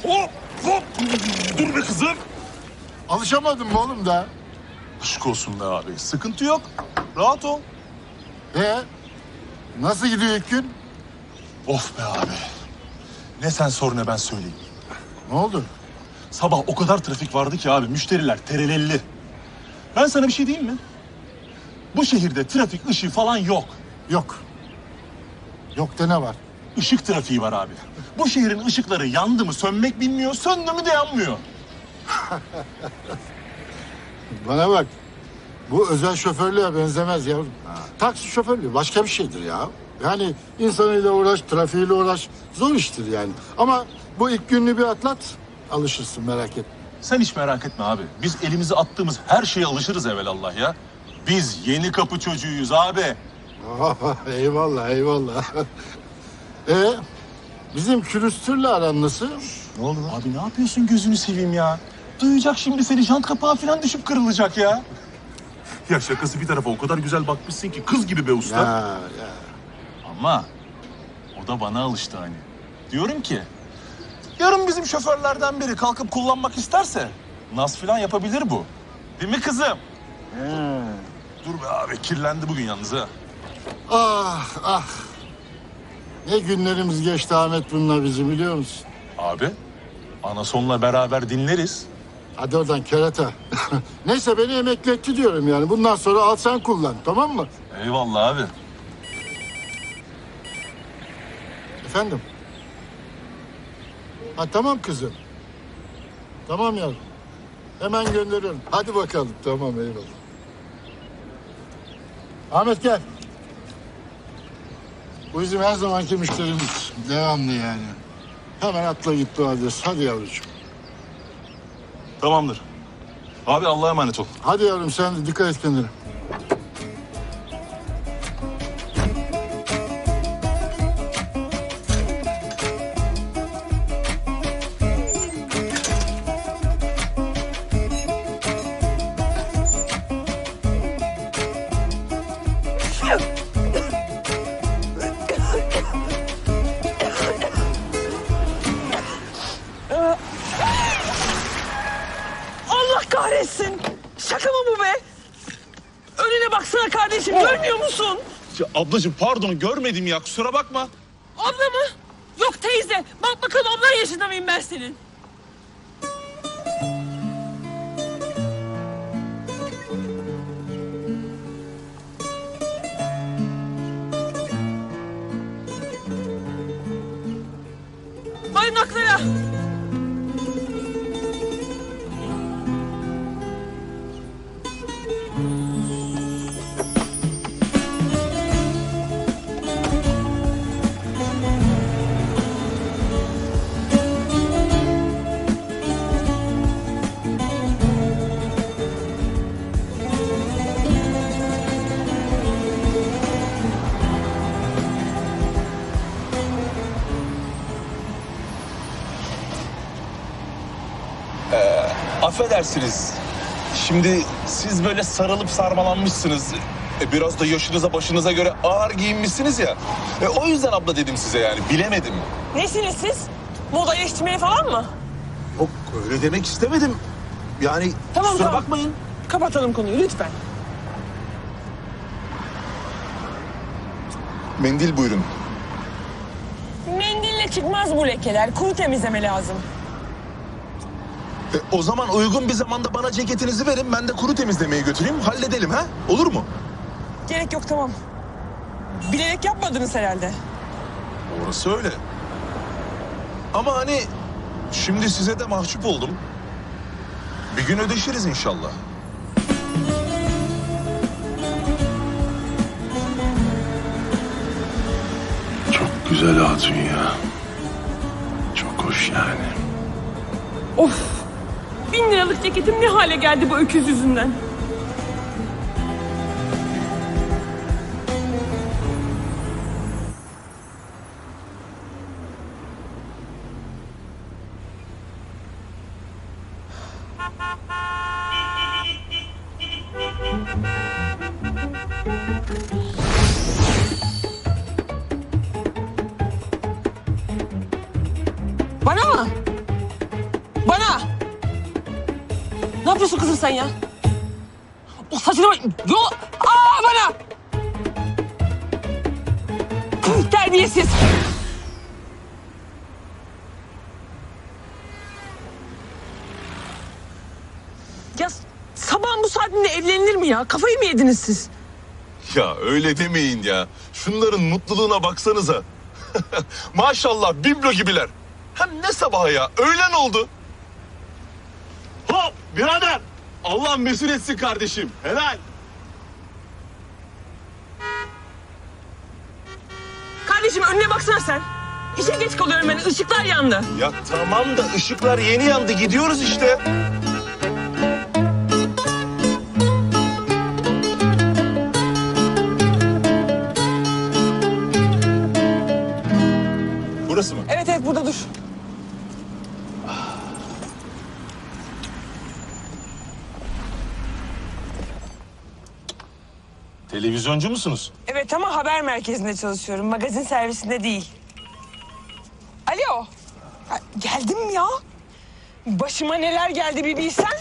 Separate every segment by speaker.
Speaker 1: Hop hop. Dur be kızım.
Speaker 2: Alışamadın mı oğlum da?
Speaker 1: Aşk olsun be abi. Sıkıntı yok. Rahat ol.
Speaker 2: Nasıl gidiyor ilk gün?
Speaker 1: Of be abi. Ne sen sor ne ben söyleyeyim.
Speaker 2: Ne oldu?
Speaker 1: Sabah o kadar trafik vardı ki abi. Müşteriler terelelli. Ben sana bir şey diyeyim mi? Bu şehirde trafik ışığı falan yok.
Speaker 2: Yok. Yok da ne var?
Speaker 1: Işık trafiği var abi. Bu şehrin ışıkları yandı mı sönmek bilmiyor, söndü mü de yanmıyor.
Speaker 2: Bana bak. Bu özel şoförlüğe benzemez yavrum. Taksi şoförlüğü başka bir şeydir ya. Yani insanıyla uğraş, trafiğiyle uğraş. Zor iştir yani. Ama bu ilk gününü bir atlat, alışırsın merak etme.
Speaker 1: Sen hiç merak etme abi. Biz elimizi attığımız her şeye alışırız evelallah ya. Biz yeni kapı çocuğuyuz abi.
Speaker 2: Eyvallah, eyvallah. Bizim külüstürle aran nasıl?
Speaker 1: Ne oldu lan? Abi ne yapıyorsun gözünü seveyim ya? Duyacak şimdi seni, jant kapağı falan düşüp kırılacak ya. Ya şakası bir tarafa o kadar güzel bakmışsın ki kız gibi be usta.
Speaker 2: Ya.
Speaker 1: Ama o da bana alıştı hani. Diyorum ki yarın bizim şoförlerden biri kalkıp kullanmak isterse naz falan yapabilir bu. Değil mi kızım? Dur be abi kirlendi bugün yalnız ha.
Speaker 2: Ah. Ne günlerimiz geçti Ahmet bununla bizim biliyor musun?
Speaker 1: Abi Anason'la beraber dinleriz.
Speaker 2: Hadi oradan kerata. Neyse beni emekli etti diyorum yani. Bundan sonra al sen kullan, tamam mı?
Speaker 1: Eyvallah abi.
Speaker 2: Efendim? Ha tamam kızım. Tamam yavrum. Hemen gönderiyorum. Hadi bakalım. Tamam eyvallah. Ahmet gel. Bu bizim her zamanki müşterimiz. Devamlı yani. Hemen atla git bu adres. Hadi yavrucuğum.
Speaker 1: Tamamdır. Abi Allah'a emanet ol.
Speaker 2: Hadi yavrum sen de dikkat et kendine.
Speaker 3: Allah kahretsin. Şaka mı bu be? Önüne baksana kardeşim, görmüyor musun?
Speaker 1: Ya ablacığım pardon görmedim ya kusura bakma.
Speaker 3: Abla mı? Yok teyze. Bak bakalım ablan yaşında mıyım ben senin? Barınaklara.
Speaker 1: Affedersiniz. Şimdi siz böyle sarılıp sarmalanmışsınız. Biraz da yaşınıza başınıza göre ağır giyinmişsiniz ya. O yüzden abla dedim size yani bilemedim.
Speaker 3: Nesiniz siz? Moda yetiştirmeye falan mı?
Speaker 1: Yok öyle demek istemedim. Yani
Speaker 3: Tamam,
Speaker 1: kusura
Speaker 3: tamam.
Speaker 1: bakmayın.
Speaker 3: Kapatalım konuyu lütfen.
Speaker 1: Mendil buyurun.
Speaker 3: Mendille çıkmaz bu lekeler. Kuru temizleme lazım.
Speaker 1: O zaman uygun bir zamanda bana ceketinizi verin. Ben de kuru temizlemeye götüreyim. Halledelim ha? Olur mu?
Speaker 3: Gerek yok, tamam. Bilerek yapmadınız herhalde.
Speaker 1: Orası öyle. Ama hani şimdi size de mahcup oldum. Bir gün ödeşiriz inşallah.
Speaker 4: Çok güzel hatun ya. Çok hoş yani.
Speaker 3: Of! 1000 liralık ceketim ne hale geldi bu öküz yüzünden? Bana mı? yapıyorsun kızım sen ya? O saçını... Yol... Aa bana! Terbiyesiz. Ya sabahın bu saatinde evlenilir mi ya? Kafayı mı yediniz siz?
Speaker 1: Ya öyle demeyin ya. Şunların mutluluğuna baksanıza. Maşallah biblo gibiler. Hem ne sabahı ya? Öğlen oldu. Hop birader. Allah mesul etsin kardeşim. Helal.
Speaker 3: Kardeşim önüne baksana sen. İşe geç kalıyorum ben. Işıklar yandı.
Speaker 1: Ya tamam da ışıklar yeni yandı. Gidiyoruz işte. Burası mı?
Speaker 3: Evet evet burada dur.
Speaker 1: Televizyoncu musunuz?
Speaker 3: Evet ama haber merkezinde çalışıyorum. Magazin servisinde değil. Alo. Ha, geldim ya. Başıma neler geldi bir bilsen.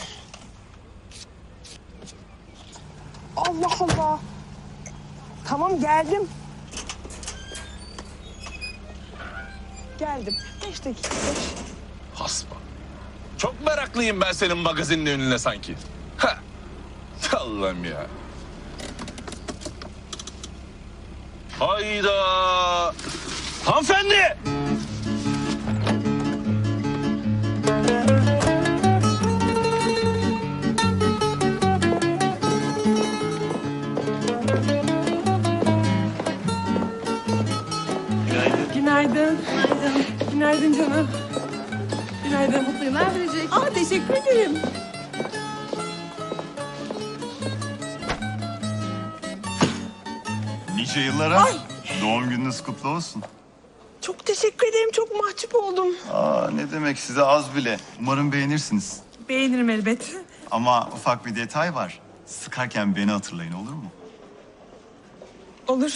Speaker 3: Allah Allah. Tamam geldim. Geldim. 5 dakika. 5.
Speaker 1: Hasba. Çok meraklıyım ben senin magazinin önüne sanki. Ha. Allah'ım ya. Hayda. Hanımefendi.
Speaker 3: Günaydın. Günaydın. Günaydın canım. Günaydın.
Speaker 5: Mutlu yıllar verecek.
Speaker 3: Aa teşekkür ederim.
Speaker 6: Nice yıllara. Doğum gününüz kutlu olsun.
Speaker 3: Çok teşekkür ederim. Çok mahcup oldum.
Speaker 6: Aa, ne demek size az bile. Umarım beğenirsiniz.
Speaker 3: Beğenirim elbet.
Speaker 6: Ama ufak bir detay var. Sıkarken beni hatırlayın olur mu?
Speaker 3: Olur.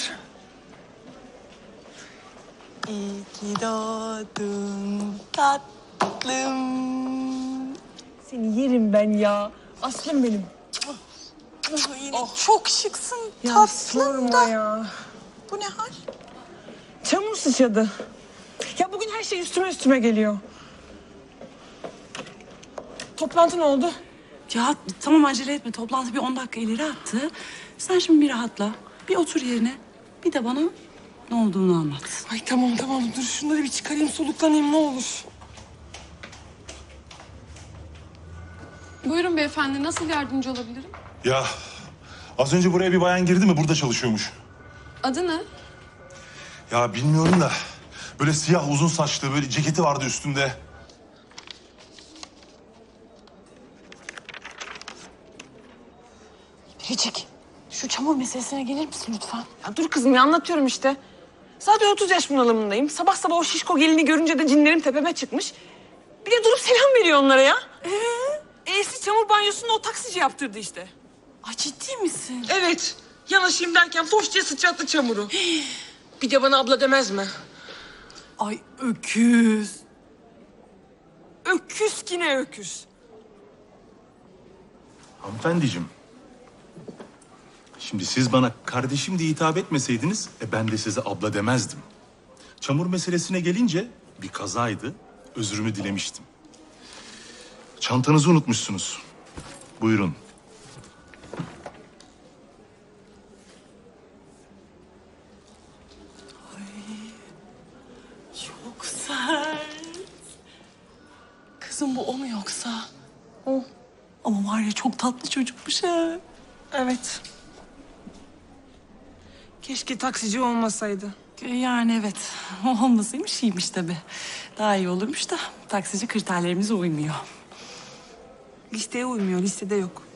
Speaker 3: İyi ki doğdun tatlım. Seni yerim ben ya. Aslım benim.
Speaker 5: Çok şıksın
Speaker 3: Ya
Speaker 5: tatlım
Speaker 3: sorma
Speaker 5: da.
Speaker 3: ya.
Speaker 5: Bu ne hal?
Speaker 3: Çamur sıçradı. Ya bugün her şey üstüme geliyor. Toplantı ne oldu?
Speaker 7: Ya tamam acele etme. Toplantı bir 10 dakika ileri attı. Sen şimdi bir rahatla. Bir otur yerine. Bir de bana ne olduğunu anlat.
Speaker 3: Ay tamam dur şunları bir çıkarayım soluklanayım ne olur.
Speaker 5: Buyurun beyefendi, nasıl yardımcı olabilirim?
Speaker 1: Ya az önce buraya bir bayan girdi mi? Burada çalışıyormuş.
Speaker 5: Adı ne?
Speaker 1: Ya bilmiyorum da böyle siyah uzun saçlı böyle ceketi vardı üstünde.
Speaker 7: Biricik, şu çamur meselesine gelir misin lütfen?
Speaker 3: Ya dur kızım ya anlatıyorum işte. Zaten 30 yaş bunalımındayım. Sabah sabah o şişko gelini görünce de cinlerim tepeme çıkmış. Bir de durup selam veriyor onlara ya. E'si çamur banyosunu o taksici yaptırdı işte.
Speaker 7: Ay ciddi misin?
Speaker 3: Evet. Yanaşayım derken foş diye sıçrattı çamuru. Bir de bana abla demez mi?
Speaker 7: Ay öküz.
Speaker 3: Öküz ki ne öküz.
Speaker 8: Hanımefendiciğim. Şimdi siz bana kardeşim diye hitap etmeseydiniz ben de size abla demezdim. Çamur meselesine gelince bir kazaydı. Özrümü dilemiştim. Çantanızı unutmuşsunuz. Buyurun.
Speaker 7: Çok sert. Kızım bu o mu yoksa? O. Ama var ya çok tatlı çocukmuş ha.
Speaker 3: Evet. Keşke taksici olmasaydı.
Speaker 7: Yani evet. O olmasaymış iyiymiş tabii. Daha iyi olurmuş da taksici kriterlerimize uymuyor.
Speaker 3: Listeye uymuyor, listede yok.